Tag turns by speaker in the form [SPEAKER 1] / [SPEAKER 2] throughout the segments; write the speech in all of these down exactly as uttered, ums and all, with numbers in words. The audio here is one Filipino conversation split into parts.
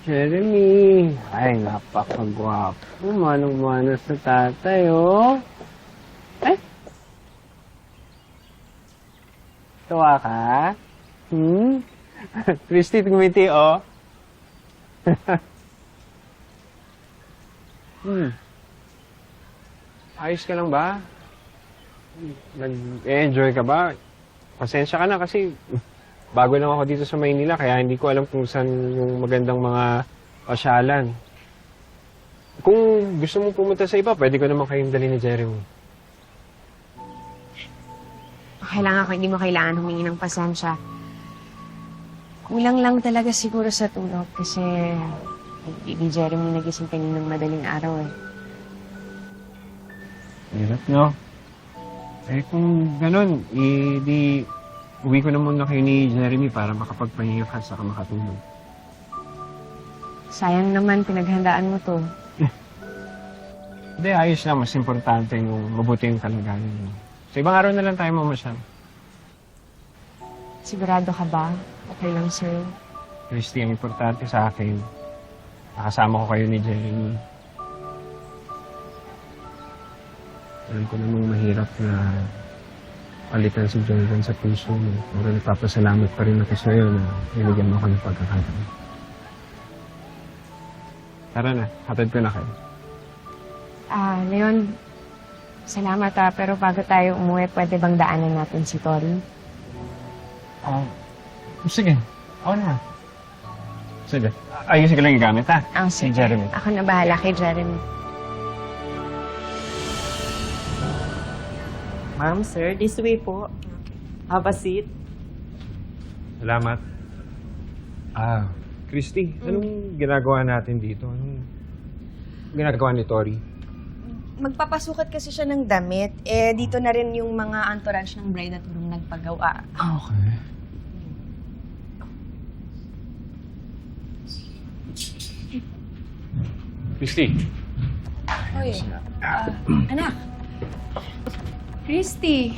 [SPEAKER 1] Jeremy! Ay, napakagwapo. Manong-mano sa tatay, oh. Ay! Tawa ka? Hmm? Christy, tumiti, oh. hmm. Ayos ka lang ba? Nag-enjoy ka ba? Pasensya ka na kasi bago lang ako dito sa Maynila kaya hindi ko alam kung saan yung magandang mga pasyalan. Kung gusto mong pumunta sa iba, pwede ko naman kayong dali ni Jeremy.
[SPEAKER 2] Kailangan ko, hindi mo kailangan humingi ng pasensya. Kulang lang talaga siguro sa tulog kasi hindi Jeremy nagising kaninang madaling araw eh.
[SPEAKER 1] Hirap, no? Eh kung ganun, eh di uwi ko na muna kayo ni Jeremy para makapagpahinga ka saka makatulog.
[SPEAKER 2] Sayang naman, pinaghandaan mo to.
[SPEAKER 1] Hindi, ayos lang. Mas importante yung mabuti yung kalagayan mo. Sa ibang araw na lang tayo mamasyal.
[SPEAKER 2] Sigurado ka ba? Okay lang, sir.
[SPEAKER 1] Christy, ang importante sa akin, nakasama ko kayo ni Jeremy. Alam ko namang mahirap na palitan si Jordan sa puso mo. Pero nagpapasalamat pa rin ako sa'yo na binigyan mo ako ng pagkakataon. Tara na, hatid ko na kayo.
[SPEAKER 2] Ah, Leon, salamat ah, pero bago tayo umuwi, pwede bang daanan natin si Tori?
[SPEAKER 1] Ah, sige. Ako na. Sige. Ayusin ko lang yung gamit, ha?
[SPEAKER 2] Ah,
[SPEAKER 1] Si
[SPEAKER 2] sige.
[SPEAKER 1] Jeremy.
[SPEAKER 2] Ako na bahala kay Jeremy.
[SPEAKER 3] Ma'am, sir, this way po. Have a seat.
[SPEAKER 1] Salamat. Ah, Christy, anong ginagawa natin dito? Anong ginagawa ni Tori?
[SPEAKER 4] Magpapasukat kasi siya ng damit. Eh, dito na rin yung mga entourage ng bride at groom nagpagawa.
[SPEAKER 1] Ah, okay. Christy.
[SPEAKER 4] Oy, ah, anak.
[SPEAKER 5] Christy!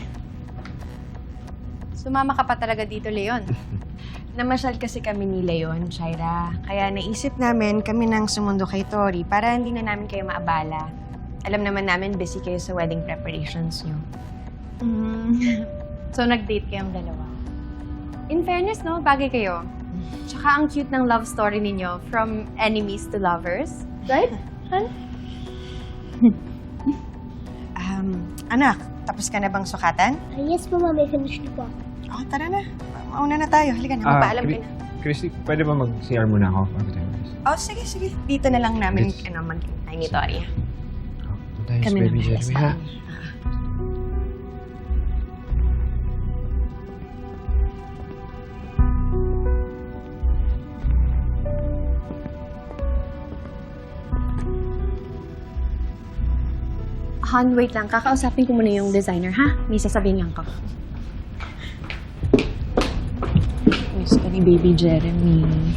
[SPEAKER 5] Sumama ka pa talaga dito, Leon.
[SPEAKER 4] Namasyal kasi kami ni Leon, Shaira. Kaya naisip namin kami nang sumundo kay Tori para hindi na namin kayo maabala. Alam naman namin busy kayo sa wedding preparations niyo.
[SPEAKER 5] Mm. So, nag-date kayong dalawa. In fairness, no? Bagay kayo. Tsaka ang cute ng love story ninyo from enemies to lovers. Right? Han?
[SPEAKER 4] Um, anak, tapos ka na bang sukatan?
[SPEAKER 6] Ah, yes po, ma'am. I finished na po.
[SPEAKER 4] Oh, tara na. Mauna na tayo. Halika na, magpaalam ka na.
[SPEAKER 1] Christy, pwede ba mag-C R muna ako bago tayo guys?
[SPEAKER 4] Oh, sige, sige. Dito na lang namin
[SPEAKER 1] Yes.
[SPEAKER 4] ano, mag-intay ni Tori.
[SPEAKER 1] Oh, tayo
[SPEAKER 4] Kami
[SPEAKER 1] sa baby
[SPEAKER 4] naman, yes,
[SPEAKER 1] Jeremy, ha?
[SPEAKER 4] ma'am.
[SPEAKER 5] Han, wait lang. Kakausapin ko muna yung designer, ha? May sasabihin lang ko.
[SPEAKER 2] Miss ko ni Baby Jeremy.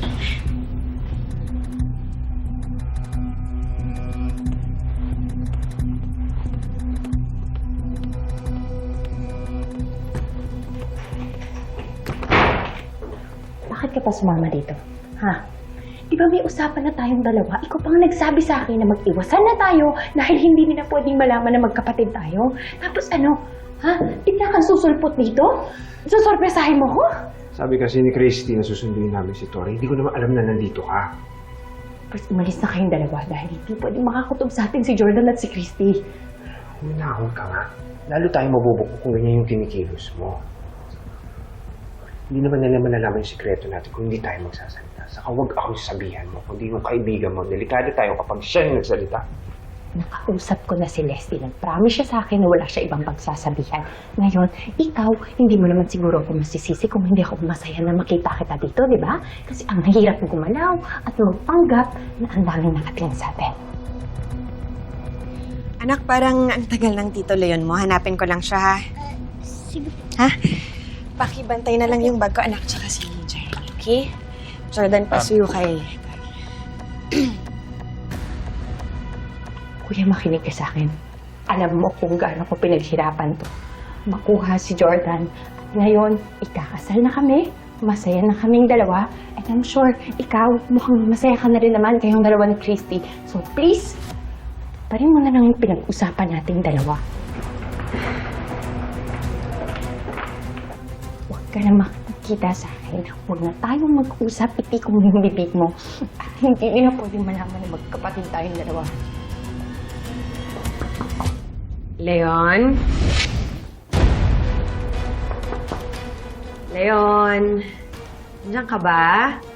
[SPEAKER 7] Bakit ka pa sumama dito? Ha? Di ba may usapan na tayong dalawa? Ikaw pang nagsabi sa akin na mag-iwasan na tayo dahil hindi nila pwedeng malaman na magkapatid tayo. Tapos ano? Ha? Bigla kang susulpot dito? Susorpresahin mo ko?
[SPEAKER 1] Sabi kasi ni Christy na susunduin namin si Tori. Hindi ko naman alam na nandito ka.
[SPEAKER 7] First, umalis na kayong dalawa dahil hindi pwedeng makakutob sa atin si Jordan at si Christy.
[SPEAKER 1] Huminahon ka nga. Lalo tayong mabubuko kung ganyan yung kinikilos mo. Hindi naman nila malalaman yung sikreto natin kung hindi tayo magsasalita. Saka huwag akong sabihan mo, kundi yung kaibigan mo. Delikado tayo kapag siya yung nagsalita.
[SPEAKER 7] Nakausap ko na si Leslie. Nag-promise siya sa akin na wala siya ibang pagsasabihan. Ngayon, ikaw, hindi mo naman siguro ako masisisi kung hindi ako masaya na makita kita dito, di ba? Kasi ang hirap gumalaw at magpanggap na ang daming nakatingin sa atin.
[SPEAKER 4] Anak, parang ang tagal ng Tito Leon mo. Hanapin ko lang siya, ha?
[SPEAKER 6] Sige.
[SPEAKER 4] Ha? Pakibantay na lang yung bag ko, anak, tsaka si Jeremy, okay? Jordan, pasuyo kay...
[SPEAKER 7] Kuya, makinig ka sa akin. Alam mo kung gaano ko pinaghirapan to. Makuha si Jordan. At ngayon, ikakasal na kami. masaya na kaming dalawa. And I'm sure, ikaw, mukhang masaya ka na rin naman kayong dalawa ni Christy. So please, parin mo na lang yung pinag-usapan nating dalawa. Huwag ka na makikita sa akin. Huwag na tayong mag-usap, iti ko yung bibig mo. At hindi nila pwede malaman na magkapatid tayong dalawa.
[SPEAKER 2] Leon? Leon? Nandiyan ka ba?